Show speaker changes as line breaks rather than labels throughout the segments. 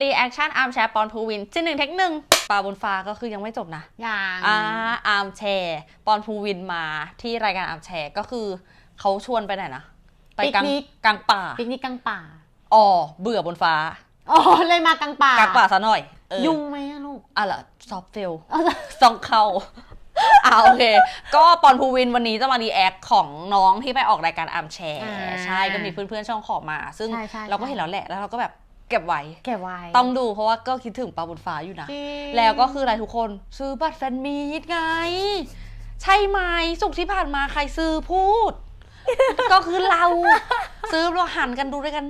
ตีแอคชั่นอาร์มแชร์ปอนภูวินที่1 เทค 1ปลาบนฟ้าก็คือยังไม่จบนะ
ยัง
อาร์มแชร์ปอนภูวินมาที่รายการอาร์มแชร์ก็คือเขาชวนไปไหนนะไปกลางป่า
ปิกนิกกลางป่า
อ๋อเบื่อบนฟ้า
อ๋อเลยมากลางป่าก
ลางป่าซะหน่อย
ยุ่งไหมลูก
ล่ะซอฟเฟลซองเข้าโอเคก็ปอนภูวินวันนี้จะมารีแอคของน้องที่ไปออกรายการอาร์มแชร์ใช่ก็มีเพื่อนๆช่องขอมาซึ่งเราก็เห็นแล้วแหละแล้วเราก็แบบเก็บไว้ต้องดูเพราะว่าก็คิดถึงปลาบนฟ้าอยู่นะแล้วก็คืออะไรทุกคนซื้อบัตรแฟนมีตไงใช่ไหมสุกที่ผ่านมาใครซื้อพูดก็คือเราซื้อเราหันกันดูด้วยกัน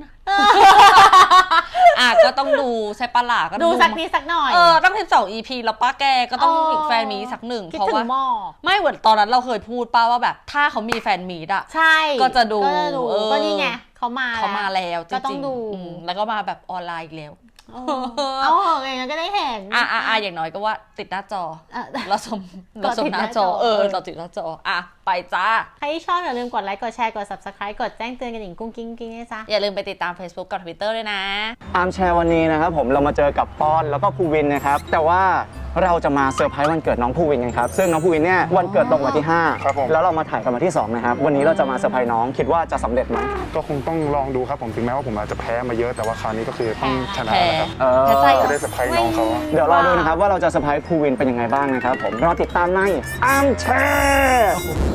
ก็ต้องดูใช่ปะล่ะก็
ดูสักนิดสักหน่อย
ต้อง12 EP แล้วป้าแกก็ต้องอีกแฟนมีสักหนึ่งเพราะว่าไม่เหมือนตอนนั้นเราเคยพูดป้าว่าแบบถ้าเขามีแฟนมีดอะ
ใช่
ก็จะดู
ก็นี่ไงเขามา
แล้วจริงๆ
ก็ต้องดู
แล้วก็มาแบบออนไลน์อีกแล้ว
เอาเหอะอย่างนั้นก็ได้เห็น
อย่างน้อยก็ว่าติดหน้าจอเราชมหน้าจอเราติดหน้าจอไปจ้า
ใครที่ชอบอย่าลืมกดไลค์กดแชร์กด Subscribe กดแจ้งเตือนกันหญิงกุ้งกิ้งนะจ๊ะ
อย่าลืมไปติดตาม Facebook กับ Twitter ด้วยนะ
อาร์มแชร์วันนี้นะครับผมเรามาเจอกับปอนแล้วก็ภูวินนะครับแต่ว่าเราจะมาเซอร์ไพรส์วันเกิดน้องภูวินกันครับซึ่งน้องภูวินเนี่ยวันเกิดตรงวันที่5ครับผมแล้วเรามาถ่ายกันวันที่2นะครับวันนี้เราจะมาเซอร์ไพรส์น้องคิดว่าจะสำเร็จไหม
ก็คงต้องลองดูครับผมถึงแม้ว่าผมอาจจะแพ้มาเยอะแต่ว่าคราวนี้ก็คือต้องชนะนะครับจะได้เซอร์ไพรส์น้องเขา
เดี๋ยวรอดูนะครับว่าเราจะเซอร์ไพรส์ภูวินเป็นยังไงบ้างนะครับผมรอติดตามในอาร์มแชร์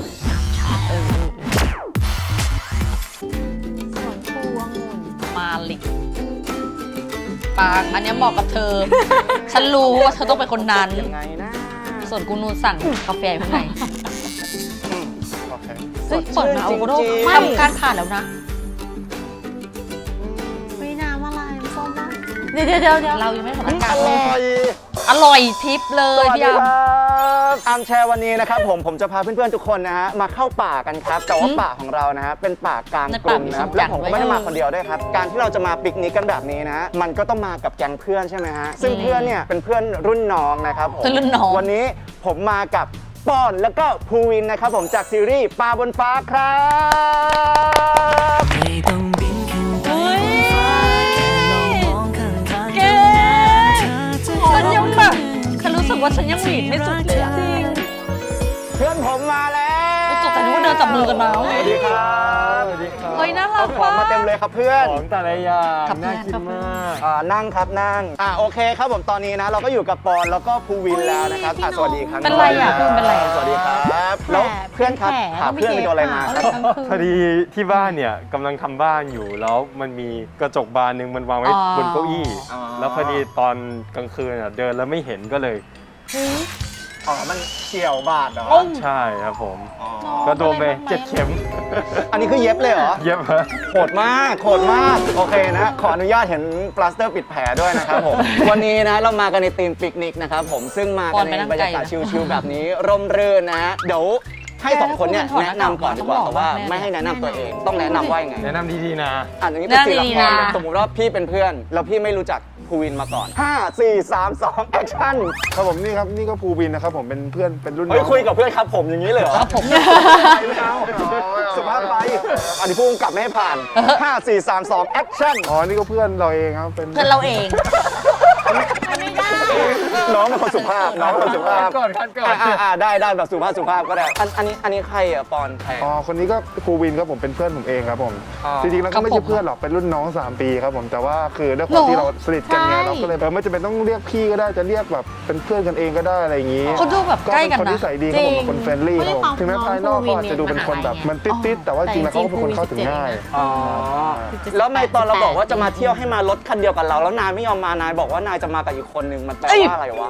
มาลิกปางอันนี้เหมาะกับเธอ ฉันรู้ว่าเธอต้องเป็นคนนั้นส่วนกูนูสั่งกาแฟข้างในเปิดมาเอาโรคทำการผ่านแล้วนะ
ไม่น้ำอะไรส้มนะเดี๋ยว
เรายังไม่ทำการอร่อยทิปเลยพี่
อาร์มแชร์วันนี้นะครับผมจะพาเพื่อนๆทุกคนนะฮะมาเข้าป่ากันครับแต่ว่าป่าของเรานะฮะเป็นป่ากลางกรุงนะครับและผมก็ไม่ได้มาคนเดียวด้วยครับการที่เราจะมาปิกนิกกันแบบนี้นะมันก็ต้องมากับแก๊งเพื่อนใช่ไหมฮะซึ่งเพื่อนเนี่ยเป็นเพื่อนรุ่นน้องนะครับผมวันนี้ผมมากับปอนแล้วก็ภูวินนะครับผมจากซีรีส์ปลาบนฟ้าครับ
ฉันรู้สึกว่าฉันยังหวีดไม่สุดเลยจริง
เพื่อนผมมาแล้ว
จบแต่นึกว่าเดินจับมือกันมา
สวัสดีครับ
เฮ้ยน่ารัก
ของมาเต็มเลยครับเพื่อน
ของแต่ละอย่างน่ากินมาก
นั่งครับนั่งโอเคครับผมตอนนี้นะเราก็อยู่กับปอนแล้วก็ภูวินแล้วนะครับสวัสดีครับ
เป็นไรเพื่อนเป็นไร
สวัสดีครับแล้วเพื่อนครับหาเพื่อนไปโดนอะไรมาครับ
พอดีที่บ้านเนี่ยกำลังทำบ้านอยู่แล้วมันมีกระจกบานหนึ่งมันวางไว้บนเก้าอี้แล้วพอดีตอนกลางคืนเดินแล้วไม่เห็นก็เลย
มันเฉี่ยวบาดเหรอ
ใช่ครับผมก็โดนไป7 เข็ม
อันนี้คือเย็บเลยเหรอ
เย็บ
โหดมากโอเคนะขออนุญาตเห็นปลาสเตอร์ปิดแผลด้วยนะครับผมวันนี้นะเรามากันในธีมปิกนิกนะครับผมซึ่งมากันในบรรยากาศชิลๆแบบนี้ร่มรื่นนะเดี๋ยวให้2คนเนี่ยแนะนำก่อนดีกว่าเพราะว่าไม่ให้แนะนำตัวเองต้องแนะนำว่ายังไง
แนะนำดีๆนะ
อย่างนี้เป็นศิลปะสมมติว่าพี่เป็นเพื่อนแล้วพี่ไม่รู้จักภูวินมาก่อน5 4 3 2แอคชั่น
ครับผมนี่ครับนี่ก็ภูวินนะครับผมเป็นเพื่อนเป็นรุ่นน้อง
คุยกับเพื่อนครับผมอย่างนี้เลยเหรอครับผมไม่เอาสุภาพไปอันนี้พุ่งกลับไม่ให้ผ่าน5 4 3 2แอคชั่น
นี่ก็เพื่อนเราเองครับ
เป็นเพื่อนเราเอง
ไม่ได้
น้องเป็นคนสุภาพ
ก่อน
ได้แบบสุภาพก็ได้อันนี้ใครปอนใคร
คนนี้ก็ภูวินครับผมเป็นเพื่อนผมเองครับผมจริงๆแล้วก็ไม่ใช่เพื่อนหรอกเป็นรุ่นน้อง3 ปีครับผมแต่ว่าคือด้วยความที่เราสนิทกันไงเราก็เลยไม่จำเป็นต้องเรียกพี่ก็ได้จะเรียกแบบเป็นเพื่อนกันเองก็ได้อะไรอย่างนี้
เขาดูแบบใกล้กันนะ
คนที่ใส่ดีครับผมเป็นคนเฟรนลี่ครับถึงแม้ภายนอกเขาอาจจะดูเป็นคนแบบมันติดแต่ว่าจริงแล้วเขาเป็นคนเข้าถึงง่าย
แล้วในตอนเราบอกว่าจะมาเที่ยวให้มารถคันเดียวกันเราแล้วนายไม่ยอมมานายบอกว่านายจะมากับอีกคนนึงมันแปลว่าอะไรวะ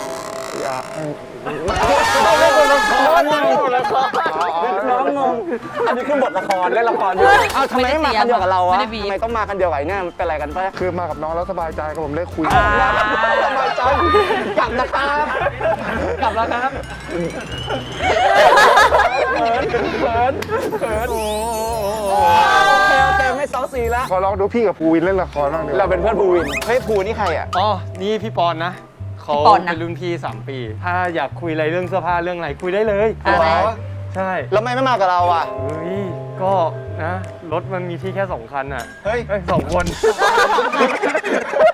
น้องงงอันนี้คือบทละครเล่นละครอยู่ทำไมไม่มาคันเดียวกับเราอะทำไมต้องมาคันเดียวกับเนี่ยเป็นอะไรกันปะ
คือมากับน้องแล้วสบายใจกับผมได้คุย
สบายใจกลับนะครับเขินโอเคไม่ซ้อซีแล้ว
ขอลองดูพี่กับภูวินเล่นละครบ้าง
เราเป็นเพื่อนภูวินเฮ้ยภูนี่ใครอ่ะ
นี่พี่ปอนนะเขาเป็นรุ่นพี่3 ปีถ้าอยากคุยอะไรเรื่องเสื้อผ้าเรื่องอะไรคุยได้เลยใช่
แล้วไม่มากับเราอ่ะ
ก็นะรถมันมีที่แค่2 คันอ่ะ2 คน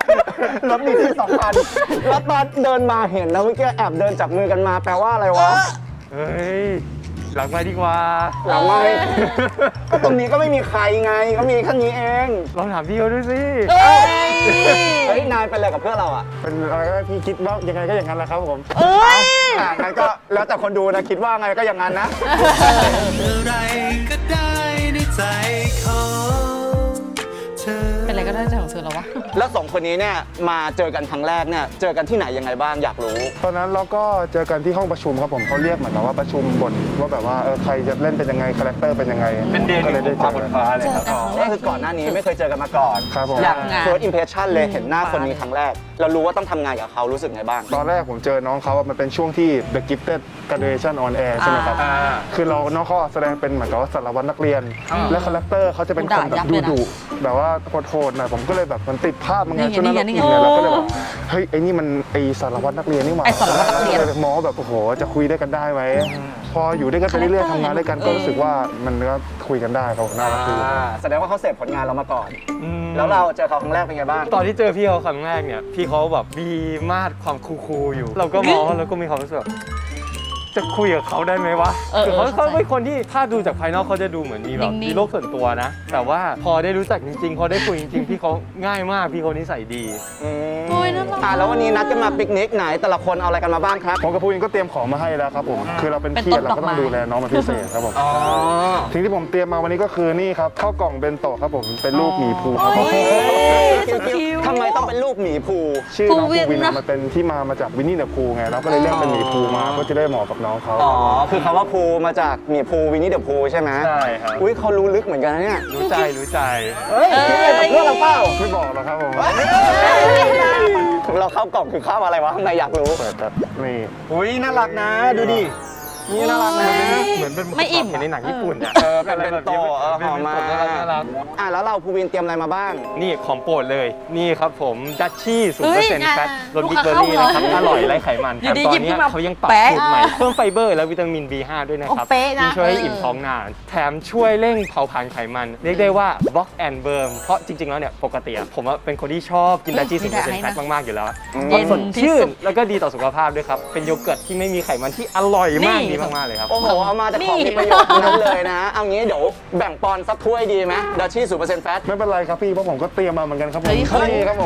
รถมีที่2 คันแล้วตอนเดินมาเห็นนะเมื่อกี้แอบเดินจับมือกันมาแปลว่าอะไรวะ
เฮ้ย หลังมาดีกว่า
หลังไม่ ก็ตรงนี้ก็ไม่มีใครไงก็มีแค่นี้เอง
ลองถามพี่เขาดูสิ
เอ้ย
เฮ้ยนายเป็นอะไรกับเพื่อนเราอ่ะ
เป็นอะไรก็ได้พี่คิดว่ายังไงก็อย่างนั้นแหละครับผม
เอ้ย
งั้นก็แล้วแต่คนดูนะคิดว่าไงก็อย่างนั้นนะ
อะไรก็ได้ในใจของเธอ
เป็นอะไรก็ได้ใจของเธอแล้ววะ
แล้ว2 คนนี้เนี่ยมาเจอกันครั้งแรกเนี่ยเจอกันที่ไหนยังไงบ้างอยากรู้
ตอนนั้นเราก็เจอกันที่ห้องประชุมครับผมเขาเรียกเหมือนแบบว่าประชุมบทว่าแบบว่าใครจะเล่นเป็นยังไงคาแรคเตอร์เป็นยังไง
เป็นเดย์
ก็เลยได้
ข
เจ
อง
อ
ฟ้าบ
กัน
นฟ้าเลยครับ
ก็คือก่อนหน้านี้ไม่เคยเจอกันมาก่อน
ครับผม
อย่าง
งาน
first impression เลยเห็นหน้าคนนี้ครั้งแรก เรารู้ว่าต้องทำงานกับเขารู้สึกไงบ้าง
ตอนแรกผมเจอน้องเขามันเป็นช่วงที่ The Gifted Graduation on Air ใช่ไหมครับ
อ่า
คือน้องเขาแสดงเป็นเหมือนกับว่าสารวัตรนักเรียน และคาแรคเตอร์เขาจะเป็นคนแบบดุแบบว่าโหดๆหน่อยผมก็เลยแบบมันติดภาพมันไงช่วงนั้นเราอินเนี่ยเราก็เลยแบบเฮ้ยไอ้นี่มันไอสารวัตรนักเรียนนี่หว่า
ไอ้สารวัตรนักเรียน
มองว่าแบบโอ้โหจะคุยได้กันได้ไหมพออยู่ด้วยกันไปเรื่อยๆทำงานด้วยกันก็รู้สึกว่ามันก็คุยกันได้ครับผมน่ารักดี
แสดงว่าเขาเสพผลงานเรามาก่อน แล้วเราเจอเขาครั้งแรกเป็นไงบ้าง
ตอนที่เจอพี่เขาครั้งแรกเนี่ย พี่เขาแบบมีมาดความคูลๆอยู่ เราก็มองแล้วก็มีความรู้สึกแบบจะคุยกับเขาได้ไหมวะ คือเขาเป็นคนที่ถ้าดูจากภายนอกเขาจะดูเหมือนมีแบบ
นิ่งๆ
มีโลกส่วนตัวนะ แต่ว่าพอได้รู้จักจริงๆพอได้คุยจริงๆพี่เขาง่ายมากพี่เขานิสัยดี
โอ้ยน่ารัก
แล้ววันนี้นัดกันมาปิกนิกไหนแต่ละคนเอาอะไรกันมาบ้างครับ
ผมกับพูนก็เตรียมของมาให้แล้วครับผมคือเราเป็น
เป็น
พี่
ต้น
เราก็
ดอกไม้
ต้องดูแลน้องเป็นพิเศษครับผมสิ่งที่ผมเตรียมมาวันนี้ก็คือนี่ครับข้าวกล่องเบนโตะครับผมเป็นรูปหมีภูครับผม
ทำไมต้องเป็นรูปหมีภู
ชื่อน้อง
ภู
ภู
วิน
วิน
นะ
มันเป็นที่มาจากวินนี่เดอะพูไงเราก็เลยเรียกเป็นหมีภูมาเพื่อจะได้เหมาะกับน้องเขา
อ๋อคือคำว่าภูมาจากหมีภูวินนี่เดอะภูใช่ไหม
ใช่ครับ
อุ้ยเขารู้ลึกเหมือนกันนะเนี่ย
รู้ใจรู้ใจ
เฮ้ยคิดอะไรกับเพื่อนเราเปล่า
ไม่บอกหรอกครับผม
เราเข้ากล่องคือข้าวอะไรวะข้างในอยากรู้
เปิดแบบนี่
อุ้ยน่ารักนะดูดินี่น่ารักนะ
เหมือนเป็น
ไม่อิ่ม
เห็นในหนังญี่ปุ่นอะ
เป็นเบนโตะหอมมาก
น่ารัก
แล้วเราภูวินเตรียมอะไรมาบ้าง
นี่ของโปรดเลย นี่ครับผมดัชชี่0%
เฮ้ย
แฟตรส
ลู
บิ๊
ก
กเบอร์
ค้า
รี่
เข้า
นะครับ
เลย
อร่อยไร้ไขมัน
อยู่
แถม
ดี
ตอน
หยิบ
เนี้
ขึ้
ย
นมา
เขายังปรับ
แปะ
สูตรใหม่เพิ่มไฟเบอร์และวิตามิน B5 ด้วยนะครับ
เป๊ะนะ
ที่ช่วยให้อิ่มท้องนาน แถมช่วยเร่งเผาผลาญไขมัน เรียกได้ว่า block and burn เพราะจริงๆแล้วเนี่ยปกติอะผมอะเป็นคนที่ชอบกินดัชชี่0%แฟตมากๆอยู่แล้ว
เย็น
สด
ที่
ชื่
สุ
น
ด
แล้วก็ดีต่อสุขภาพด้วยครับเป็นโยเกิร์ตที่ไม่มีไขมันที่อร่อยมาก
นี่
ดีมากๆเลยครับ
โอ้โหเอามาแต่ของมีประโยชน์ทั้งนั้นเลยนะ เอางี้เดี๋ยวแบ่งปอนสักถ้วยดีไหมดัชชี่0%แฟต
ไม่เป็นไรครับพี่เพราะผมก็เตรียมมาเหมือนกันครับผม
เฮ้ยเขา
นี่ครับผม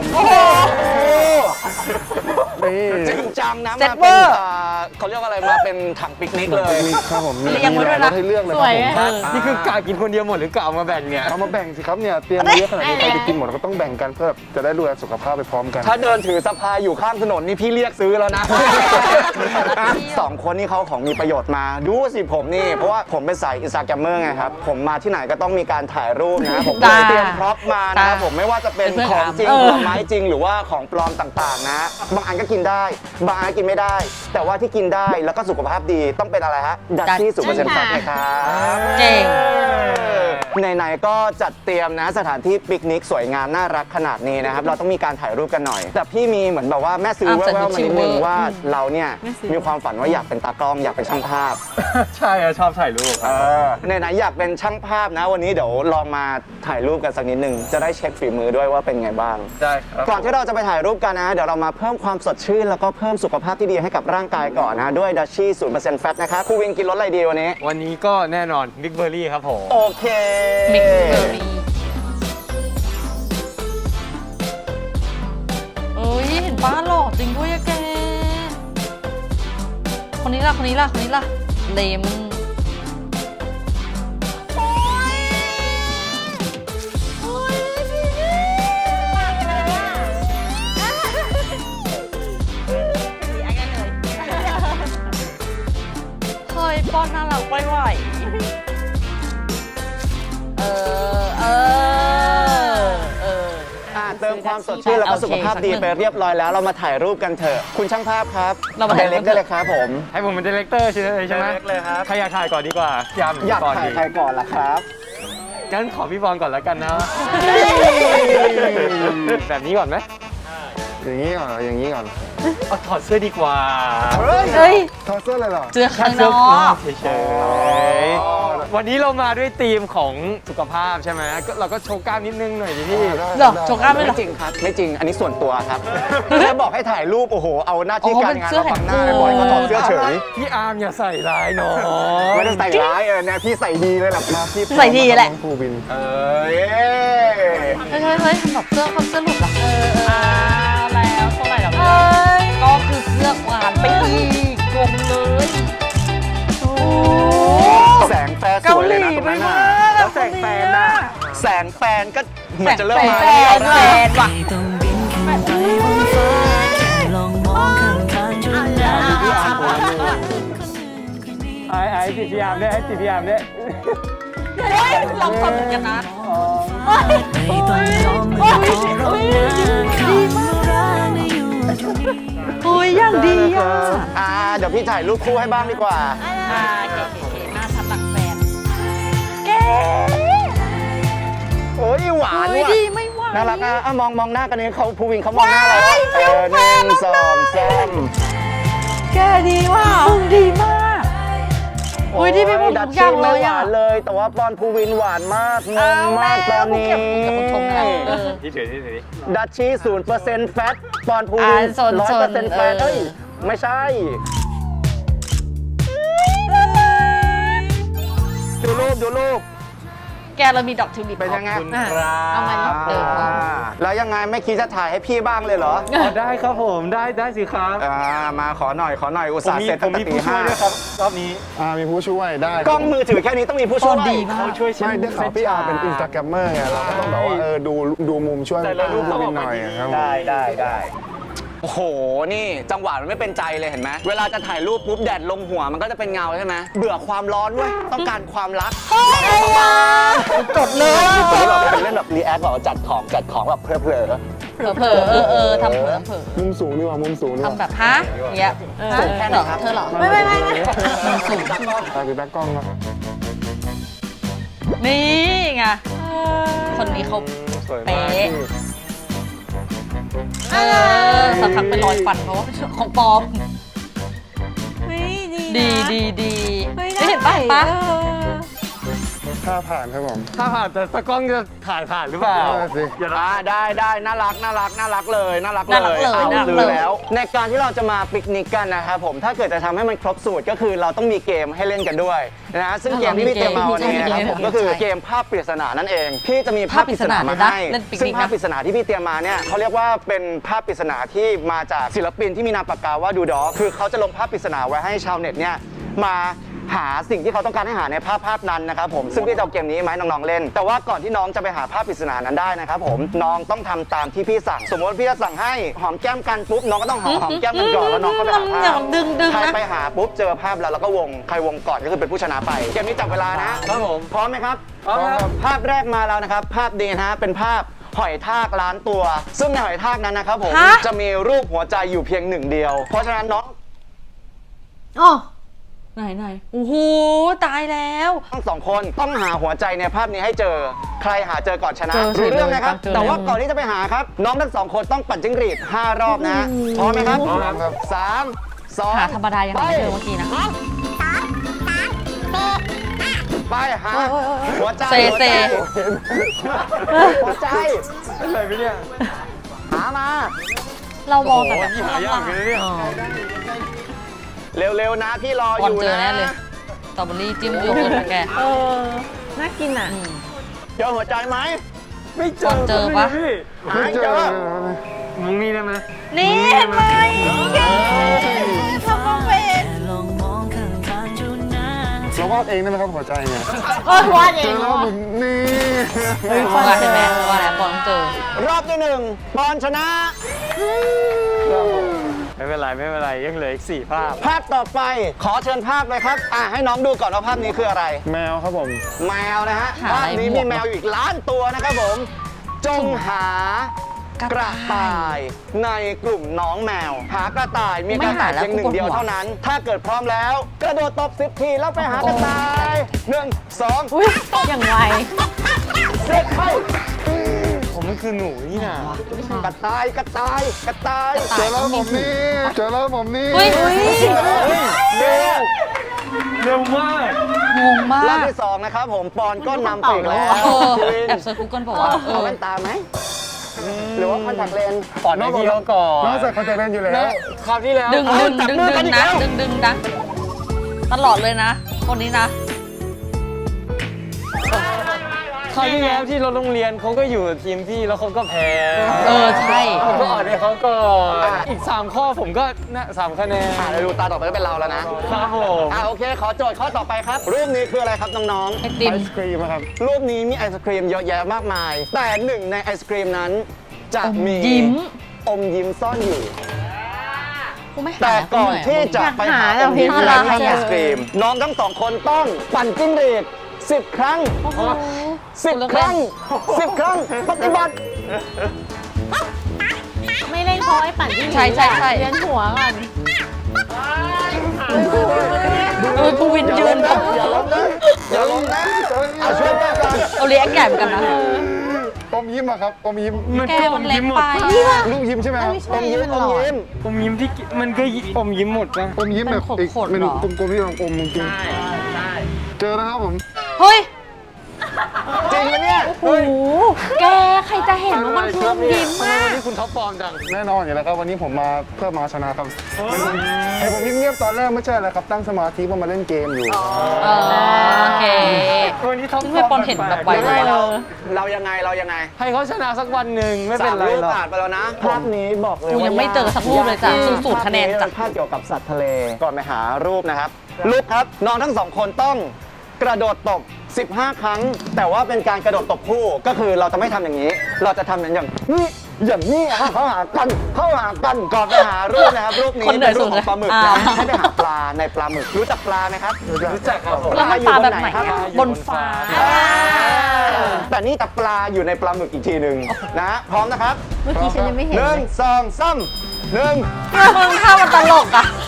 นี่
จริงจังนะ
เซ็
มา
ตเว
เป็
อน ร์
เขาเรียกว่าอะไรมาเป็นถังปิกนิกเลย
นี่ครับผมมี
เรียงไว้ด้วยนะ
รสให้เลือกเลย
ส
ค
วย
รับผม
ไง
นี่คือกะกินคนเดียวหมดหรือกะเอามาแบ่งเนี่ย
เอามาแบ่งสิครับเนี่ยเตรียมมาเยอะขนาดนี้ใครจะกินหมดก็ต้องแบ่งกันเพื่อจะได้ดูแลสุขภาพไปพร้อมกัน
ถ้าเดินถือสะพายอยู่ข้างถนนนี่พี่เรียกซื้อแล้วนะ สองคนนี่เขาของมีประโยชน์มา ดูสิผมนี่ เพราะว่าผมเป็นสายอินสตาแกรมเมอร์ไงครับ ผมมาที่ไหนก็ต้องมีการถ่ายรูปนะ ผมเลยเตรียมพร็อพมานะครับผมไม่ว่าจะเป็นของจริงผลไม้จริงหรือว่าของปลอมต่างๆนะ บางอันก็กินได้ บางอันก็กินไม่ได้ แต่ว่าที่กินได้แล้วก็สุขภาพดีต้องเป็นอะไรฮะดัชชี่0%แฟตนะครับ
เก่ง
ไหนๆก็จัดเตรียมนะสถานที่ปิกนิกสวยงามน่ารักขนาดนี้นะครับ เราต้องมีการถ่ายรูปกันหน่อย แต่พี่มีเหมือนแบบว่าแม่ซื้อแว่วๆมานิดนึงว่าเราเนี่ยมีความฝันว่าอยากเป็นตากล้องอยากเป็นช่างภาพ
ใช่อะชอบถ่ายรูป
ไหนๆอยากเป็นช่างภาพนะ วันนี้เดี๋ยวลองมาถ่ายรูปกันสักนิดนึงจะได้เช็คฝีมือด้วยว่าเป็นไงบ้าง
ได้ครับ
ก่อนที่เราจะไปถ่ายรูปกันนะ เดี๋ยวเรามาเพิ่มความสดชื่นแล้วก็เพิ่มสุขภาพที่ดีให้กับร่างกายก่อนนะด้วยดัชชี่0%แฟตนะครับครูวินกินรสอะไรดีวันนี้
วันนี้ก็แน่นอนบิ๊กเบอร์รี่ครับผม
โอเค
มิกซ์เบอร์รี่เอ้ยเห็นป้าหล่อจริงด้วยอะแก คนนี้ล่ะ คนนี้ล่ะ คนนี้ล่ะ เลมอนโอ้ยโอ้ยเฮ้ยป้อนน่ารักไปไหว
เติมความสดชื่นแล้วก็สุขภาพดีไปเรียบร้อยแล้วเรามาถ่ายรูปกันเถอะ คุณช่างภาพครับ
เรามาถ่ายรู
เล็
ป
กได้เลยครับผม
ให้ผมเป็นดีเลกเตอร์ใช่ไหม
เล็กเลยครับ
ใครอยากถ่ายก่อนดีกว่าพี่ยาม
อยาก
ก่อน
ถ่าย
ดี
ใครก่อนล่ะครับ
งั้นขอพี่บอลก่อนแล้วกันนะ แบบนี้ก่อนไหม
อย่างนี้ก่อนเหรออย่างนี้ก่อน
เอาถอดเสื้อดีกว่า
เฮ้ย
ถอดเสื้อเลยเหรอ
เจอข้างน
เสื้
อก
เฉยๆวันนี้เรามาด้วยธีมของสุขภาพใช่ไหมก็เราก็โชว์กล้ามนิดนึงหน่อยดิพี่
เหรอโชว์กล้ามไม่เหร
ไม่
อ
จริงครับ ไม่จริง อันนี้ส่วนตัวครับแค่บอกให้ถ่ายรูป โอ้โห เอาหน้าที่
อ๋อ
การงาน
เป็นเสื้อ
มาบังหน้า
แขน
บอยก็ถอดเสื้อเฉย
พี่อาร์มอย่าใส่ร้ายน้อง
ไม่ได้ใส่ร้ายเนี่ยพี่ใส่ดีเลยแหละมาพี่
ใส่ดีแหละ
น้องภูวิน
เอ้ย
เฮ้ยทำแบบเสื้อคนเสื้อหลุดเหรอ
แล้วเท่าไหร่หรอ
ก็คือเสื้อหวานไปอีกกลมเลย
แสงแฟร์สวยเลยนะตรงนั้นน่ะแล้วแสงแฟนน่ะแสงแฟนก็เหมือนจะเริ่มมา
แฟ
แล้ว
น
นะ
แฟนว่ะ
ไม่ต้องบินขึ้นไปบนฟ้าแค่ลองมองข้างๆจนได้คนหนึ่งคนนี้
ไอ้ติดพี่อาร์มเนี่ยให้ติดพี่อาร์มเนี่ย
เฮ้ยเราคนเหมือนกันนะ
ไม่ต้องยอมไม่ขอร้องนะคำว่ารักไม่อยู่ตรงนี้
เฮ้ยอย่างดีอ่ะ
เดี๋ยวพี่ถ่ายรูปคู่ให้บ้างดีกว่า
เคหน้าชัดหลังแฟนแก
โอ้ยหวาน
เฮ้ย
ว่ะ
ดีไม่ไหว
น่ารักอ่ะมองหน้ากันนี้เขาภูวินเขามองหน้าเราหนึ่งสองสาม
แกดีว่ะมึงดีมากโอ้ยที่พี่พูด
ดั
ทุ
ช
กอย่าง
ชี่
เล
ไม่
ย
ห
อ่ะ
วานเลย แต่ว่าปอนภูวินหวานมากงงมากตอนนี้
กับคุณชมนะ
ที่ถือที่ถือ
ดัชชี่0%แฟตปอนภูวิน
โซน
100%แฟตเอ้ยไม่ใช่ ดูรูป
แกเรามีดอกทิวลิป
เป็นยังไง
เอามานี่
แล้วยังไงไม่คิดจะถ่ายให้พี่บ้างเลยเหรอ
ได้ครับผมได้สิครับ
มาขอหน่อยอุต
ผม
ส่าห์
มี
เสร็จ
ผมมีผู้ช่วยด้วยครับรอบนี้
มีผู้ช่วยได้
กล้องมือถือแค่นี้ต้องมีผู้ช่วย
ดีมาก
เขาช่วย
ไม่ได้ข่าวพี่อาร์เป็นอินสตาแกรมเมอร์ไงเราก็ต้องแบบว่าดูมุมช่วย
แต่ละรูป
ภู
ต้องอ
วิ
อน ก
ห
มา
น่อย
ดี
ครับ
ได้โอ้โหนี่จังหวะมันไม่เป็นใจเลยเห็นไหมเวลาจะถ่ายรูปปุ๊บแดดลงหัวมันก็จะเป็นเงาใช่ไหมเบื่อความร้อนเว้ยต้องการความรัก
จดเลย
คนที่แบบเป็นเล่นแบบรีแอคแบบจัดของแบบเพลอ
เผลอทำเผลอ
มุมสูงดีกว่ามุมสูงดีกว่า
ทำแบบฮะเงี้ย
สูงแค่ไหนครับ
เธอเหรอ
ไม่
สูง
ตาคือตากล้องครับ
นี่ไงคนนี้เขา
สวยมาก
เป๊ะสักพักเป็นรอยฟันเพราะว่าเป็นของปลอม
เฮ้ยดี
ดี
เฮ้ย
ไม่เห็นปะปะ
ถ้าผ่านครับผม
ถ้าผ่านแต่ตะกล้องจะถ่ายผ่านหรือเปล่า
นั่นสิ
อย่านะ
ได้น่ารักเลยแล้วในการที่เราจะมาปิกนิกกันนะครับผมถ้าเกิดจะทำให้มันครบสูตรก็คือเราต้องมีเกมให้เล่นกันด้วยนะซึ่งเกมที่พี่เตรียมมาวันนี้นะครับผมก็คือเกมภาพปริศนานั่นเองพี่จะมีภาพปริศนามาให้ซึ่งภาพปริศนาที่พี่เตรียมมาเนี่ยเขาเรียกว่าเป็นภาพปริศนาที่มาจากศิลปินที่มีนามปากกาว่าดูดอคือเขาจะลงภาพปริศนาไว้ให้ชาวเน็ตเนี่ยมาหาสิ่งที่เขาต้องการให้หาในภาพนั้นนะครับผมซึ่งพี่จะเอาเกมนี้มาให้น้องๆเล่น แต่ว่าก่อนที่น้องจะไปหาภาพปริศนานั้นได้นะครับผมน้องต้องทำตามที่พี่สั่งสมมติพี่จะสั่งให้หอมแก้มกันปุ๊บน้องก็ต้องหอมแก้มกันก่อนแล้วน้องก็ไปหาภา
อย่า
พ
ดึง
ใคร
นะ
ไปหาปุ๊บเจอภาพแล้วเราก็วงใครวงก่อนก็คือเป็นผู้ชนะไปเกมนี้จับเวลานะครับ
ผม
พร้อมไหมครับ
พร้อมครับ
ภาพแรกมาแล้วนะครับภาพนี้นะฮะเป็นภาพหอยทากล้านตัว ซึ่งในหอยทากนั้นนะครับผมจะมีรูปหัวใจอยู่เพียงหนึ่งเดียว เพราะฉะนั้นน้อง
อ๋อ
ไหนโอ้โหตายแล้ว
ทั้งสองคนต้องหาหัวใจในภาพนี้ให้เจอ ใครหาเจอก่อนชนะ
เจอสิ
รู้เรื่องนะครับ
เจอเลย
แต่ว่าก่อนที่จะไปหาครับ น้องทั้งสองคนต้องปั่นจิ้งหรีด5 รอบนะพร้อมไหมครับ
พร้อมครับ
3 2
หาธรรมดายังไม่เจอเมื่อกี้นะ
ไปหาหัวใจ
เซ
หัวใจ
อะไรไปเนี่ย
หามา
เรามองแต่แบบ
โอ้โหหายากเลยเนี่ย
เร็วๆนะพี่รอ
ก่
อ
อน
ยู่
เจอ
นะ
แน่เลยสตรอเบอรี่จิ้มโยเกิร์ตแก
น่ากินอ่ะ
เจอหัวใจไหม
ไม่เจ
ก่
อ
อนเจอปะ
พี่
หาให้เจอ
มึงนี่ได้ไหม
นี่เห็นไหม
ทำมาเป็น
แค่ลองมองข้างๆจนนาน
เราวาดเองได้ไหมครับหัวใจเนี่ย
วาดเอ
เจอง แล้วผมนี่
ว่าเห็นไหมว่าแล้วปอนเจอ
รอบที่1ปอนชนะ
ไม่เป็นไรยังเหลืออีก4 ภาพ
ภาพต่อไปขอเชิญภาพเลยครับให้น้องดูก่อนว่าภาพนี้คืออะไร
แมวครับผม
แมวนะฮะ
หา
ภา
อะไร
พนี้
บวก
มีแมวอยู่อีกล้านตัวนะครับผม จงหา กระต่ายในกลุ่มน้องแมว หากระต่ายมีกระต่ายเพียงหนึ่งเดียวเท่านั้น ถ้าเกิดพร้อมแล้ว กระโดดตบ10 ทีแล้วไปหากระต่าย1 2
อุ้ยอย่างไว
เสร็จไป
ผมมันคือหนูนี่นะ
กระต่าย
เจอแล้วผมนี่เจอแล้วผมนี่
เฮ้ย
เร็วมาก
งงมาร
อบ
ก
ที่ 2 นะครับผมปอนก็นำไปอีกแล้ว
เออ
ภูวิน
แอบเซิร์ชกูเกิลบอกว่า
เอาแว่นตาไหมหรือว่าคอนแทคเลนส์
ปอนให้พี่เขาก่อน
น้องใส่คอนแทคเลนส์อยู่แล้ว
นะคราวที่แล้ว
ดึงนะดึงนะตลอดเลยนะ คนนี้นะ
คราวที่แล้วที่เราโรงเรียนเขาก็อยู่ทีมพี่แล้วเขาก็แพ้
เออใช่
ผมก็อ่อนให้เขาก่อนอีก 3 ข้อผมก็นะ3คะแนน
เดี๋ยวดูตาต่อไปก็เป็นเราแล้วนะครับ
ผม
โอเค ขอโจทย์ข้อต่อไปครับ รูปนี้คืออะไรครับน้อง
ไอติม
ไอศครีมอะครับ
ๆรูปนี้มีไอศครีมเยอะแยะมากมาย แต่หนึ่งในไอศครีมนั้น จะมี
ยิ้ม
อมยิ้มซ่อนอยู่
กูไม่หา
แต่ก่อนที่จะไปหาอมยิ้มและแท่งไอศครีม น้องทั้งสองคนต้องปั่นจิ้งหรีด10 ครั้ง 10 ครั้ง 10 ครั้ง ปฏิบัติ
ไม่เล่นเพราะไอ้ปั่นที่
ใช่
เลี้ยนหัวก่อน
กูวินยืนแบบ
อย่าล้มนะอย่าล้มนะเอาช่วยแม่กัน
เอาเลี้ยงใหญ่เหมือนกันนะ
อมยิ้มอะครับ อมยิ้ม
แกมันเล็กไป
ลูกยิ้มใช่ไหมครับ
อมยิ้มอมยิ้ม
อมยิ้มที่มันก็อมยิ้มหมดนะ
อมยิ้มแบบอีก
ขดๆ
เป็น
เหรอ
กลมๆที่เราอมจริงๆเจอแล้วครับผม
เฮ้ย
จริงไหมเนี่ย
โอ้โหแกใครจะเห็นว่ามันคืออมยิ้ม
ทำไม
มาก
วันนี้คุณท็อปฟอร์มจัง
แน่นอนอยู่แล้วครับวันนี้ผมมาเพื่อมาชนะครับไอผมเงียบๆตอนแรกไม่ใช่อะไรครับตั้งสมาธิเพื่อมาเล่นเกมอยู่
โอเค
วันนี้ท็อป
ซึ่งไม่ปอนเห็นแบบไว
ยังไง
ๆ
เรายังไงเรายังไง
ให้เขาชนะสักวันหนึ่งไม่เป็นไร
รูป
หรอก
ผ่านไปแล้วนะ ภาพนี้บอกเลย
กูยังไม่เจอสักรูปเลยจ้ะสูตรคะแนนจ้ะ
ภาพเกี่ยวกับสัตว์ทะเล ก่อนไปหารูปนะครับ รูปครับ น้องทั้งสองคนต้องกระโดดตบ 15 ครั้ง แต่ว่าเป็นการกระโดดตบคู่ ก็คือเราจะไม่ทำอย่างนี้ เราจะทำอย่างนี้เข้าหากันก่อนไปหารูปนะครับ รูปนี้
คนเหนื่
เป็
อย
นรูป
สุ
ข
ด
อง
เลย
ปลาหมึก
อ่า
นะให้ไปหาปลาในปลาหมึก รู้จักปลาไหมครับ
รู้จักครับผม
แล้วมันปลาแบบไหน
ครับ
อะบนฟ้า
แต่นี่แต่ปลาอยู่ในปลาหมึกอีกทีหนึ่งนะฮะพร้อมนะครับ
เมื่อกี้ฉันยังไม่เห็น
หนึ่งสองสามหนึ่ง
มึงถ้ามันตลกอ่ะ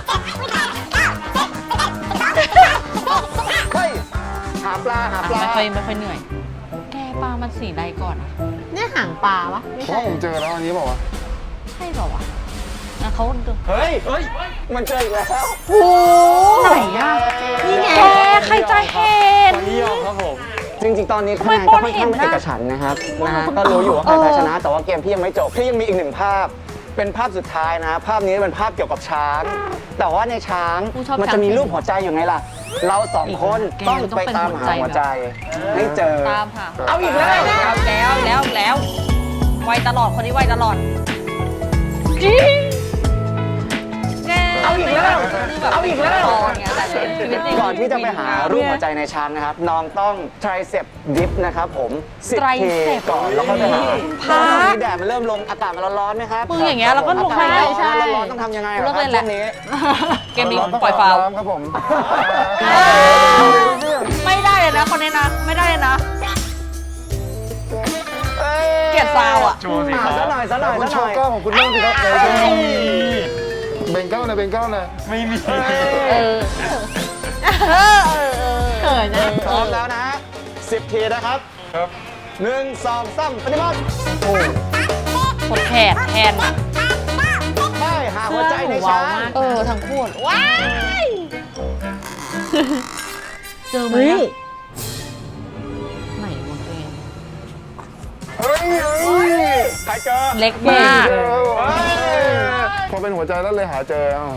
เฮ้ยหาปลา
ไม่ค่อยเหนื่อย แกปลามันสีใดก่อนอะ
เนี่ยหางปลาวะไม่
เพราะ
ใช่
ผมเจอแล้วอันนี้บอกว่า
ใช่เปล่าวะนะเขาดู
เฮ้ยมันเจออีกแล้ว
โอ้
ไหนอ่ะนี่ไง
แกใครจะเห็น
วันนี้ยอมครับผม
จริงๆ ตอนนี้คะแนน
ทำไม
ก็
ปอน
ค่อน
เห็
ข้าง
น
ไม่
น่ะ
เอกฉันท์นะครับนะฮะก็รู้อยู่ว่าใครแพ้ชนะ แต่ว่าเกมพี่ยังไม่จบพี่ยังมีอีกหนึ่งภาพ เป็นภาพสุดท้ายนะ ภาพนี้เป็นภาพเกี่ยวกับช้าง แต่ว่าในช้าง
กูชอบ
มันจะมีรูปหัวใจอยู่ไงล่ะ เราสองคน
แก
ต้อง
มันต้อง
ไป
เป็น
ตาม
หัว
หา
ใจ
หัวใจให้เจอ
ตามค่ะ
เอาอีกแล้ว
แล้วไวตลอดคนนี้ไวตลอดจริงแก
เอาอีกแล้ว
เอาอีกแล้วตอนเงี้ยแต่ชีวิตจริง
ก่อนที่จะไปหารูปหัวใจในช้างนะครับ น้องต้อง tricep dip นะครับผม10 ที
tricep
ก่อนแล้วก็ไปหา
พา
ตอนนี้แดดมันเริ่มลงอากาศมันร้อนๆไหมครับ
มึงอย่างเงี้ยแล้วก็ลง
อากาศ
ใช่
ร้อนๆต้องทำยังไง
เลิก
ค
เล
รับ
ยแหละ
ช่วงนี้
เกมนี้ปล่อยฟาวล์
ครับผม
ไม่ได้เลยนะคนนี้นะ ไม่ได้เลยนะ เกลียดฟาวล์อ่ะ
โชว์สิครับ
ซะหน่อย
คุณโชว์กล้องของคุณบ้างสิครับเบ่งกล้องหน่อยเบ่งกล้องหน่อย
ไม่มี
เออ
เขินนะ
พร้อมแล้วนะฮะ10 ทีนะครับ
ครับ
1 2 3ปฏิบัติ
กดแผดแทนอ่ะ
ไปหาหัวใจในช้าง
เออทั้งคู่ว้ายเจอไหม
เฮ้ย
อะไหนวะเอง
เฮ้ยใครเจอ
เล็กมาก
พอเป็นหัวใจแล้วเลยหาเจอเอา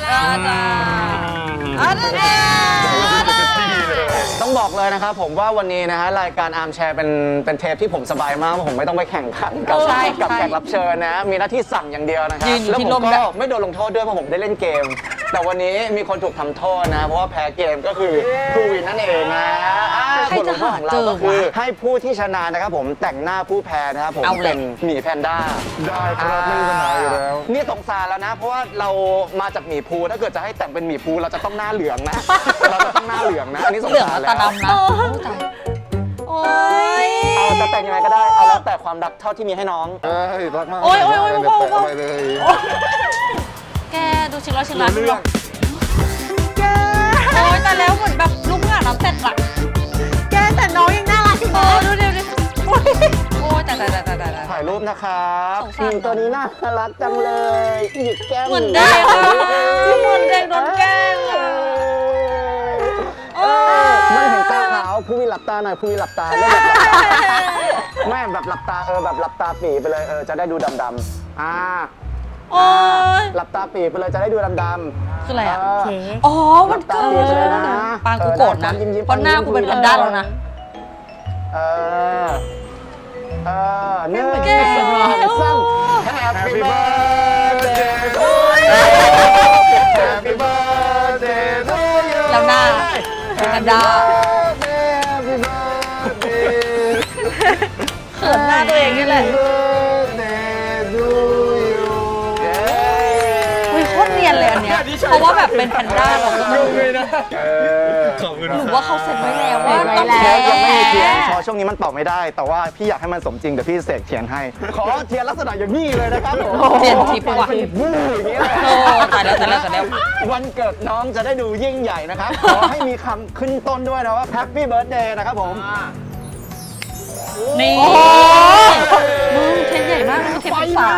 ต้องบอกเลยนะครับผมว่าวันนี้นะฮะรายการอาร์มแชร์เป็นเทปที่ผมสบายมากเพราะผมไม่ต้องไปแข่งขันกับ
ใช่
กับ
ใช่
แขกรับเชิญนะ มีหน้าที่สั่งอย่างเดียวนะครับ
ยืนอยู่
แล้ว
ที่
ผม
ร่ม
ก็
ด้วย
ไม่โดนลงโทษด้วยเพราะผมได้เล่นเกม แต่วันนี้มีคนถูกทำโทษนะ เพราะว่าแพ้เกมก็คือครูวินนั่นเองนะบทลงโทษของเราก็คือให้ผู้ที่ชนะนะครับผมแต่งหน้าผู้แพ้นะครับผมเป็นหมีแพนด้า
ได้ครับไม่มีปัญหาอยู่แล้ว
นี่สงสารแล้วนะ เพราะว่าเรามาจากหมีภูถ้าเกิดจะให้แต่งเป็นหมีภูเราจะต้องหน้าเหลืองนะ เราจะต้องหน้าเหลืองนะ อันนี้สง
เหลือง
สาร
กับ
แล้ว
ตาดำนะโอ้ย
เอาจะแต่งยังไงก็ได้ เอาแล้วแต่ความรักเท่าที่มีให้น้อง
เอ้ยรักมาก
โอ้ยโอ้ยโอ้ย
เดี๋ว
โอ้ย
แปะไปเลย
แกดูชิลล์ชิลล์ดูหรอโอ้ยแต่แล้วเหมือนแบบลูกเมื่อน้ำเสร็จละ
แกแต่น้องยังน่ารักอยู่
เอ
นะ
อดูดิโอ้ยแต่
ถ่ายรูปนะครับ
สงสาร
ตัวนี้น่ารักจังเลย หยิกแก้ม
เหมือนเด็กอะเหมือนเด็กโดนแกล้งอะ
เออหลับตาหน่อยภูวินหลับตาเริ่มแบบหลับตาไม่แบบหลับตาแบบหลับตาปีไปเลยจะได้ดูดำๆ
โอ้ย
หลับตาปีไปเลยจะได้ดูดำๆ
คืออะไรอ่ะ
เค้ก
อ๋อมันเกิ
หลับตาปีไปเลยนะ
ปางกูโกรธนะ
ยิ้มๆ
เพราะหน้ากูเป็นแพนด้าแล้วนะ
หนึ่ง
แก้ว
สองสาม Happy birthday to
Happy birthday to you
แล้วหน้าเป็นแพนด้า
Happy birthday
เขินหน้าตัวเองนี่แหละ
birthday to you
อุ้ยโคตรเนียนเลยอันเนี้ยเพราะว่าแบบเป็นแพนด้าเราก็ต้อง
เลยนะขอบคุณ
หรือว่าเขาเซ็ตไว้แล้วว่า
เซ็ตไว้
ต้อง
แล้ว
แพ้
ยังไม่มีเทียน
แพ้
พอช่วงนี้มันตอบไม่ได้ แต่ว่าพี่อยากให้มันสมจริงเดี๋ยวพี่เสกเทียนให้ ขอเทียนลักษณะอย่างนี้เลยนะครับผม
เทียนทิพย์ว่ะ
วู้อย่างนี้เลย
โอ้ตายแล้วตายแล้วตายแล้ว
วันเกิดน้องจะได้ดูยิ่งใหญ่นะครับ ขอให้มีคำขึ้นต้นด้วยนะว่า Happy Birthday นะครับผม
นี่มึงเทียนใหญ่มากนะเทียนเป็นฝา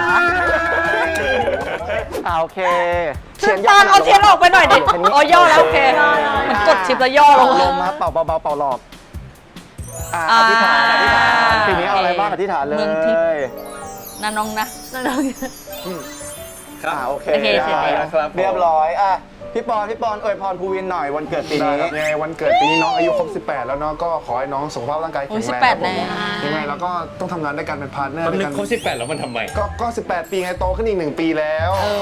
โอเค
ตาลเอาเทียนออกไปหน่อยดิอ๋อย่อแล้วโอเคมันกดชิปแล้วย่อลง
ลมมาเป่าเบาๆเป่าหลอกอธิษฐานอธิษฐานทีนี้เอาอะไรบ้างอธิษฐานเลย
เมืองทิพย์ นะน้องนะ
โอเค
โอเคเสร็จแล้ว
ครับ
เรียบร้อยพี่ปอนอวยพรภูวินหน่อยวันเกิดปี
ได้
นี้
ครับยังไงวันเกิดปีนี้น้องอายุครบ 18 แล้วเนาะก็ขอให้น้องสุขภาพร่างกายแข็ง
โอ้ย
แรง
18
ครับผม
แล้ว
ยังไงเราก็ต้องทำงานด้วยกันเป็นพาร์ทเนอร์
มัน
ด้วย
นึ
กั
ก
น
เขา18 แล้วมันทำไม
ก็ 18 ปีไงโตขึ้นอีก 1 ปีแล้ว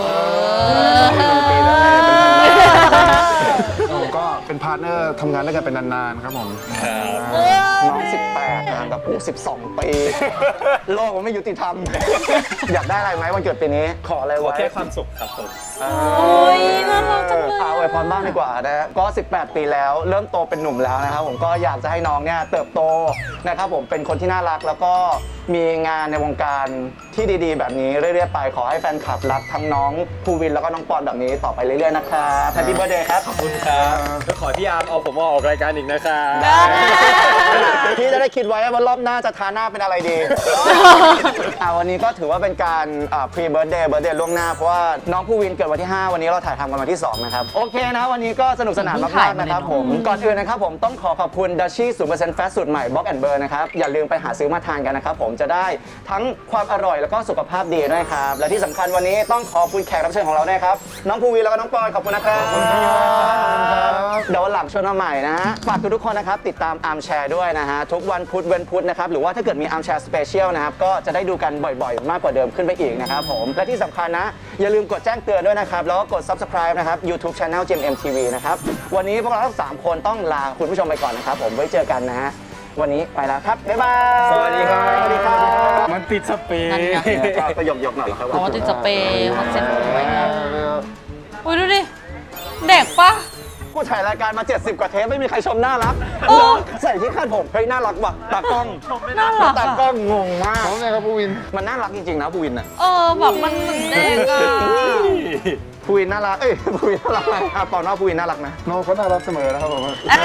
1 ปีแล้วไงเป็นพันล้าน
ผมก็เป็นพาร์ทเนอร์ทำงานด้วยกันเป็นนานๆครับผม
น้อง 18ห่างกับกู12 ปี โลกมันไม่ยุติธรรม อยากได้อะไรไหมวันเกิดปีนี้ขออะไร
ขอ
ไว้
แค่ความสุขครับผม
โอ้ยน่ารักจังเลย
อวยพรบ้างดีกว่านะฮะก็ 18 ปีแล้วเริ่มโตเป็นหนุ่มแล้วนะครับผมก็อยากจะให้น้องเนี่ยเติบโตนะครับผมเป็นคนที่น่ารักแล้วก็มีงานในวงการที่ดีๆ แบบนี้เรื่อยๆไปขอให้แฟนคลับรักทั้งน้องภูวินแล้วก็น้องปอนแบบนี้ต่อไปเรื่อยๆนะครับแฮปปี้เบิร์ดเดย์ครับ
ขอบคุณครับก็ขอให้พี่อาร์มเอาผมมาออกรายการอีกนะครับ
พี่จะได้คิดไว้ว่ารอบหน้าจะทาหน้าเป็นอะไรดี วันนี้ก็ถือว่าเป็นการพรีเบิร์ดเดย์ล่วงหน้าเพราะว่าน้องภูวินเกิดวันที่ 5 วันนี้เราถ่ายทำกันวันที่ 2 นะครับ โอเคนะวันนี้ก็สนุกสนานมากๆนะครับผมก่อนอื่นนะครับผมต้องขอบคุณดัชชี่0%แฟตสูตรใหม่บ็อกแอนเบอร์นะครับอย่าลืมไปหาซื้อมาทานกันนะครับผมจะได้ทั้งความอร่อยแล้วก็สุขภาพดีด้วยครับและที่สำคัญวันนี้ต้องขอบคุณแขกรับเชิญของเราด้วยครับน้องภูวินแล้วก็น้องปอยขอบคุณนะครับเดี๋ยววันหลังชวนมาใหม่นะฮะฝากทุกคนนะครับติดตามอาร์มแชร์ด้วยนะฮะทุกวันพุธเว้นพุธนะครับหรือว่าถ้าเกิดมีอาร์มแชร์สเปเชียลนะครับก็จะได้ดูกันบ่อยๆ มากกว่าเดิมขึ้นไปอีกนะครับผมและที่สำคัญนะอย่าลืมกดแจ้งเตือนด้วยนะครับแล้วก็กด subscribe นะครับ YouTube Channel GMMTV นะครับวันนี้พวกเราทั้ง3คนต้องลาคุณผู้ชมไปก่อนนะครับผมไว้เจอกันนะฮะวันนี้ไปแล้วครับบ๊ายบาย
สวัสดีครับ
สวัสดีครับ
มันติดสเปรย์
นั่นไง
ก็ยกๆหน่อยเหรอครับ
อ๋อติดสเปรย์คอนเซ็ปต์ไว้ไงอุ้ยดูดิ เด็กปะ
กูถ่ายรายการมา 70 กว่าเทปไม่มีใครชมน่ารักใส่ที่คาดผมเฮ้ยน่ารักว่ะตากล้อง
น่ารัก
ตา
อะ
กล้องงงมาก
น้องไงครับผู้วิน
มันน่ารักจริงๆนะภูวินอ่ะ
แบบมันเหมือนเด็กอะ
ภูวินน่ารักภูวินน่ารักไหมปอนว่าภูวินน่ารักนะ
น้องเขาน่ารักเสมอนะครับผม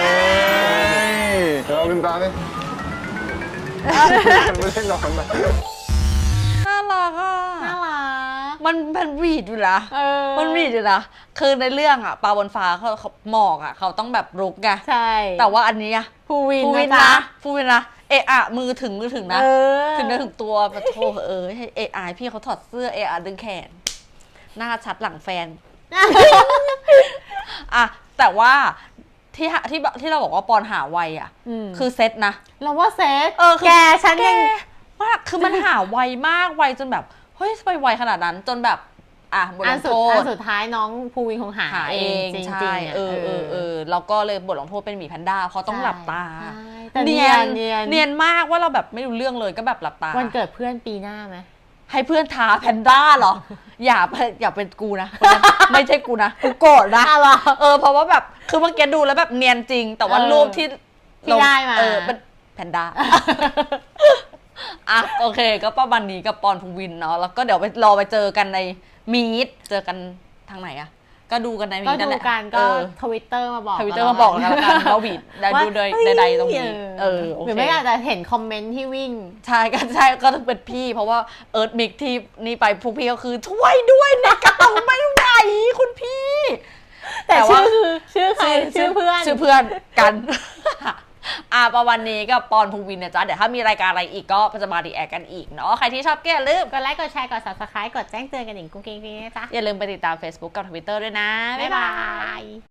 เดี๋ยวเราลืมตาดิไม่ได้นอนนะ
น่ารักอ่ะ
น่ารัก
มันเป็นวีดอยู่นะ
อ
มันวีดอยู่นะ คือในเรื่องอ่ะปลาบนฟ้าเขาหมอกอ่ะเขาต้องแบบรุกไง
ใช่
แต่ว่าอันนี้อะ
ภูวิน
ฟูวิน
นะจ๊ะ
นะฟูวินนะเอะอะมือถึงนะ
เออ
ถึงเนื้อถึงตัวปะโถให้เอะอายพี่เขาถอดเสื้อเอะอะดึงแขน หน้าชัดหลังแฟน อ่ะแต่ว่าที่เราบอกว่าปอนหาไวอ่ะ คือเซตนะ
เราว่าเซต
คือ
แกฉันยัง
มากคือมันหาไวมากไวจนแบบเฮ้ยไปไวขนาดนั้นจนแบบบท
อั
ล
น
ง
สุด
โท
อั
ษ
นสุดท้ายน้องภูวินคงหา
หาเอง
จริง
ใช่
ๆอะ
แล้วก็เลยบทลงโทษเป็นหมีแพนด้าเพราะต้องหลับตา
ใช่แต่เนียน
มากว่าเราแบบไม่รู้เรื่องเลยก็แบบหลับตา
วันเกิดเพื่อนปีหน้าไหม
ให้เพื่อนท้าแพนด้าเหรอ อย่าเป็นกูนะคนนั้นไม่ใช่กูนะกูโกรธนะ
อ้าวเหรอ
เพราะว่าแบบคือเมื่อกี้ดูแล้วแบบเนียนจริง แต่ว่า
เออ
รูปที่
ที่ได้มา
เป็นแพนด้า โอเคก็ประมาณนี้กับปอนภูวินเนาะแล้วก็เดี๋ยวไปรอไปเจอกันในมีดเจอกันทางไหนอะก็ดูกันในมี
ก็
ดนั่น
ดู
แหละ
กันก็ทวิตเตอร์มาบอก
ทวิตเตอร์มาบอกกันแล้วกันเราบีดได้ดูโดยใดๆตรงนี้โอ
หรือ
เค
ไม่อาจจะเห็นคอมเมนต์ที่วิ่ง
ใช่ก็ต้องเป็นพี่ เพราะว่าเอิร์ธมิกที่นี่ไปพวกพี่ก็คือช่วยด้วยในกระเป๋าไม่ไหวคุณพี่
แต่
ว่า
ชื่อใครชื่อเพื่อน
ชื่อเพื่อนกันประวันนี้กับปอนภูวินนะจ๊ะเดี๋ยวถ้ามีรายการอะไรอีกก็จะมารีแอคกันอีกเนาะใครที่ชอบก็อย่าลืม
กดไลค์กดแชร์กด subscribe กดแจ้งเตือนกันหนิงกุ้งกิ้งนะจ๊ะ
อย่าลืมไปติดตาม Facebook กับ Twitter ด้วยนะ
บ๊ายบาย